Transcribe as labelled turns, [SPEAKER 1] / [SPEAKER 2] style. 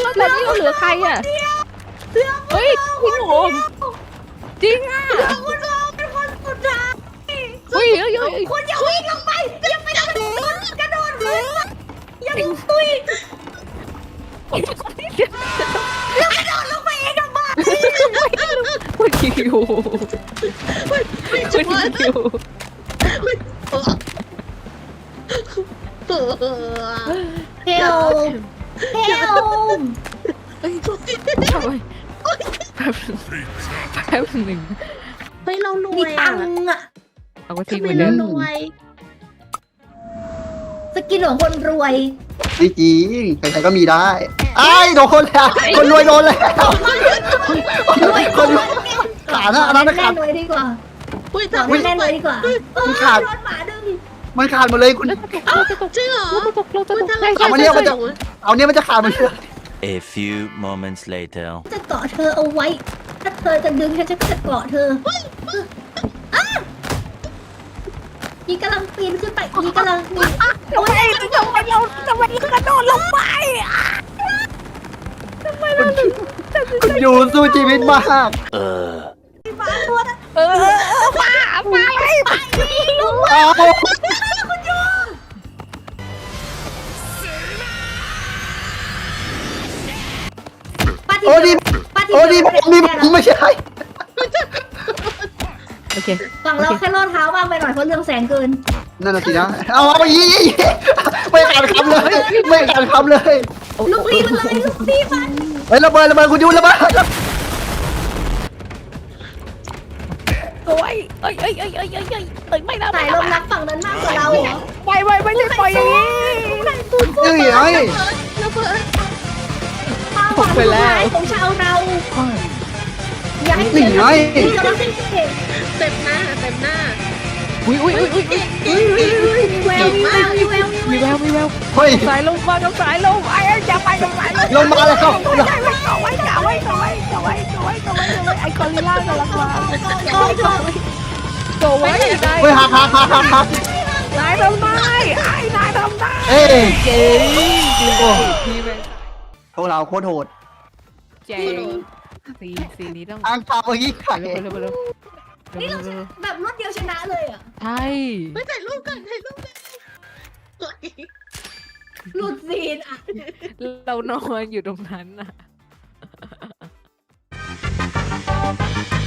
[SPEAKER 1] แล้วตอนนี้เราเหลือใครอ่ะเฮ้ยพี่โหงจริงอ่ะ
[SPEAKER 2] คุณโอเป็นคนสุดท้าย
[SPEAKER 1] เฮ้ย
[SPEAKER 2] คุณอย่าวิ่งลงไปอย่าไปกระโดดขึ้นอย่าลุกตุยแล้วกระโดดลงไปเองทำไม
[SPEAKER 1] คุณคิวคุณคิว
[SPEAKER 2] เฮลเฮล
[SPEAKER 1] เฮ้ยทำไมแป๊บหนึ่ง
[SPEAKER 2] เฮ้ยเรารวยอ่ะ
[SPEAKER 1] เอาก็ทิ้ง
[SPEAKER 2] ทำ
[SPEAKER 1] เห
[SPEAKER 2] ไม
[SPEAKER 1] มือนเดิ
[SPEAKER 2] เรา
[SPEAKER 1] ม
[SPEAKER 2] รวยสกินของคนรวย
[SPEAKER 3] ไม่จริงใครๆก็มีได้ไอ้โดนคนแล้วคนรวยโดนแล้วคนรวยขาดนะอันนั้นนะ
[SPEAKER 2] แน่
[SPEAKER 3] ขาด
[SPEAKER 2] รวยดีกว่า
[SPEAKER 4] อุ้ย
[SPEAKER 2] ต่อ
[SPEAKER 4] ทำไม
[SPEAKER 2] แน่รวยดีกว่า
[SPEAKER 3] มันขาด
[SPEAKER 2] โดนหมาดึง
[SPEAKER 3] มันขาดหมดเลยคุณ
[SPEAKER 4] จริงเหรอ
[SPEAKER 1] เราจะตก
[SPEAKER 3] เอามาเนี่ยมันจะเอาเนี่ยมันจะขาดหมดเลย
[SPEAKER 5] A few moments later.
[SPEAKER 2] จะเกาะเธอเอาไว้ ถ้าเธอจะดึงฉันจะเกาะเธอยีกำลังปีนขึ้นไปยีกำลังมี
[SPEAKER 1] ทำไมเรากระโดดลงไป
[SPEAKER 3] คุณอยู่สู้ชีวิตมาก
[SPEAKER 2] มาตัวนะ
[SPEAKER 1] มาเลย
[SPEAKER 3] เอา
[SPEAKER 2] ปาที
[SPEAKER 3] โอ้ดี
[SPEAKER 2] ปาที
[SPEAKER 3] โอ้ดีผมไม่ใช่
[SPEAKER 1] โอเค
[SPEAKER 2] ฝั่งเราแค่ลอดเท้าบ้างไปหน่อยเพราะเรื่องแสงเกิน
[SPEAKER 3] นั่นน่ะสินะเอาไปยี่ไม่ขาดคำเลยไม่ขาดคำเลย
[SPEAKER 2] ลูกรีบมันเลยลูกรีบมัน
[SPEAKER 3] เฮ้ยระเบิดคุณยูระเบิด
[SPEAKER 1] โอ้ยเอ้ยไม่ได้
[SPEAKER 2] สายลมรักฝั่งนั้นมากกว่าเราเหรอ
[SPEAKER 1] ไม่ใช่ปล่อยอย่างนี้
[SPEAKER 3] นี่ไง
[SPEAKER 1] ตกไปแล้ว
[SPEAKER 2] ของชาวเราอย่าให้
[SPEAKER 3] นี่
[SPEAKER 2] เสีย
[SPEAKER 3] ไง
[SPEAKER 2] นี่เราเป็นเก่ง
[SPEAKER 4] เต็มหน้าเต็มหน้า
[SPEAKER 1] อุ้ย
[SPEAKER 2] มีแววมีแววมีแววมีแวว
[SPEAKER 1] มีแวว
[SPEAKER 3] เฮ้ย
[SPEAKER 1] สายลมมาต้องสายลมไอ้อย่าไปต้องสายลม
[SPEAKER 3] ลงมาแล้วครับ
[SPEAKER 1] ไว้ไอ้กอริลล่ากำลังมาโตไว้ได้
[SPEAKER 3] เฮ้ยหัก
[SPEAKER 1] นายทำได้นายทำได้
[SPEAKER 3] เอ้ย
[SPEAKER 1] เจ๋งจริงโอ้พี่แม่
[SPEAKER 3] พวกเราโคตรโหด
[SPEAKER 1] เจ๋งสีนี้ต้อง
[SPEAKER 3] อังกาเมื่อกี้ไข่
[SPEAKER 1] เร็ว
[SPEAKER 2] นี่เราแบบรวดเดียวชนะเลยอ่ะ
[SPEAKER 1] ใช่
[SPEAKER 4] ไปถ่ายรูปกันถ่ายรูปกัน
[SPEAKER 2] หลุดซีนอ่ะ
[SPEAKER 1] เรานอนอยู่ตรงนั้นน่ะ